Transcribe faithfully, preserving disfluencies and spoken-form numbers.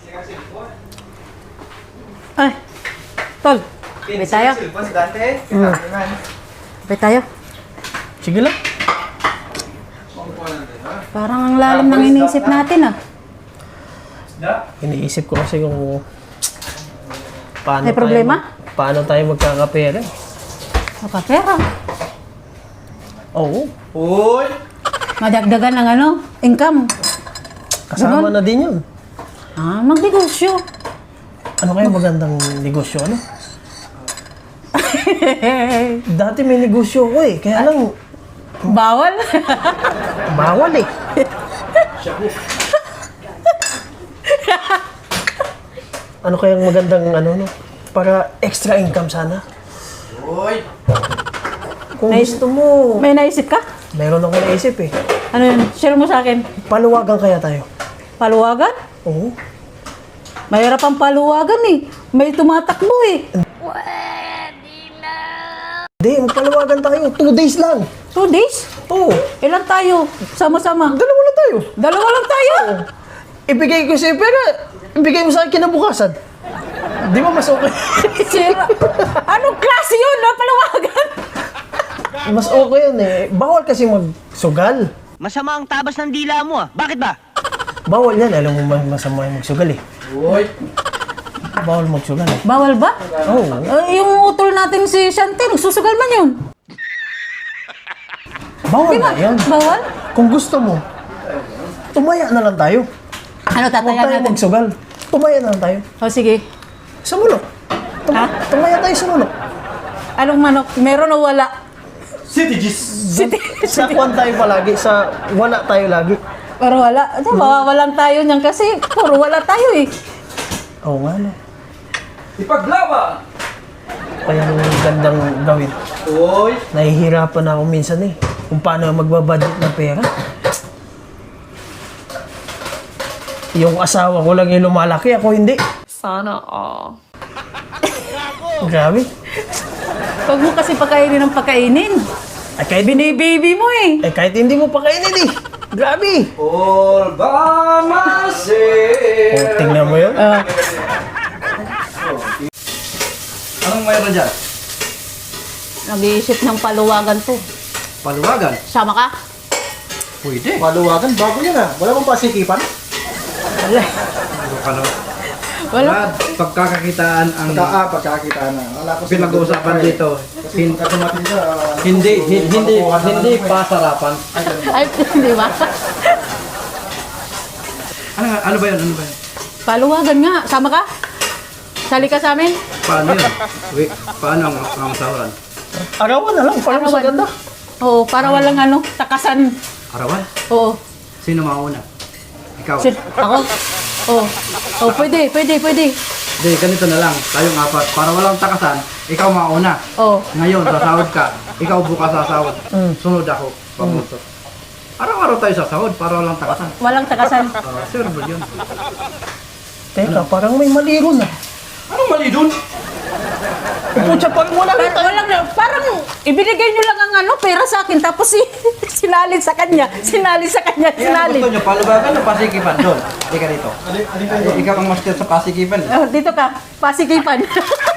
Ay, tol. Sabay tayo. Mm. Sabay tayo. Sige lang. Parang ang lalim ng iniisip natin ah. Iniisip ko kasi kung paano May problema? Tayo, paano tayo magkakapera. Makapera. Oo. Uy! Madagdagan ng ano, income. Kasama Ganon. na din yun. Ah, magnegosyo. Ano kaya magandang negosyo? Ano? Dati may negosyo ko eh. Kaya lang, Bawal. bawal eh. Ano kayang magandang ano no? Para extra income sana. Uy! Kung May- gusto mo, May naisip ka? meron akong naisip eh. Ano yun? Share mo sa akin. Paluwagan kaya tayo. Paluwagan? Oo. Mahirap ang paluwagan eh. May tumatakbo eh. Hindi, magpaluwagan tayo. Two days lang. Two days? Oo. Ilan tayo? Sama-sama. Dalawa lang tayo. Dalawa lang tayo. Ibigay ko sa'yo, pero ibigay mo sa akin kinabukasan. Di ba mas okay? Sira. Anong klase yun? No? Paluwagan. Mas okay yun eh. Bawal kasi magsugal. Masama ang tabas ng dila mo ah. Bakit ba? Bawal yan. Alam mo mas- masama yung magsugal eh. Uy! Bawal magsugal eh. Bawal ba? Oo. Uh, yung utol natin si Shanti, nagsusugal man yun. Bawal Di ba? na yun. Bawal? Kung gusto mo, tumaya na lang tayo. Ano, Huwag tatayan tayo natin? magsugal. Tumaya na lang tayo. O sige. Sa mulok. Tum- Ha? Tumaya tayo sa mulok. Anong manok? Meron o wala? City G's! City. Sa kwan tayo palagi, sa wala tayo lagi. Pero wala. Ano, mawawalan tayo niyan kasi puro wala tayo eh. Oo nga no. Ipaglaban! Kaya ang gandang gawin. Uy! Nahihirapan na ako minsan eh. Kung paano magbabudget ng pera. Yung asawa ko lang yung lumalaki, ako hindi. Sana all. Grabe. Huwag mo kasi pakainin ng pakainin. Ay, kahit, Binibaby mo eh. eh, kahit hindi mo pa kainin eh. Grabe. All by myself! O, tingnan mo yun. Ah, Anong mayroon dyan? nag-iisip ng paluwagan to. Paluwagan? Sama ka? Pwede. Paluwagan, bago yan ah. Wala bang pasikipan? Wala. Ano? Wala. Brad, pagkakakitaan ang Pagka, ah, pagkakita na. Wala ko pinag-uusapan dito. Kasi Hin- pagka dumating ka, ah, hindi, hi- hindi, makukuha na hindi lang ako eh. pasarapan. Ay, di ba? Ano, nga- ano ba yun? Ano ba yun? Paluwagan nga. Sama ka? Sali ka sa amin? Paano yun? Wait, paano ang, ang sahuran? Arawan na lang, para mas Arawan. maganda. Oo, para walang ano, takasan. Arawan? Oo. Sino mauna? Ikaw? Sit, ako? Oo. Oh, pwede, pwede, pwede. Hindi, ganito na lang. Tayong apat. Para walang takasan, ikaw mauna. Oo. Ngayon, sasahod ka. Ikaw bukas sasahod. Mm. Sunod ako. Pamuntot. Araw-araw tayo sasahod para walang takasan. Walang takasan. Uh, sure ba yun? Teka, parang may mali ron ah. Anong mali dun? Pucha, parang wala na Pero tayo. walang, parang ibinigay nyo lang ang ano, pera sa akin, tapos si, sinalin sa kanya, sinalin sa kanya, Kaya ano sinalin. gusto nyo, palubagan o pasikipan doon? Hindi ka dito. alin, alin kayo? Ikaw ang master sa pasikipan. Oh, dito ka, pasikipan.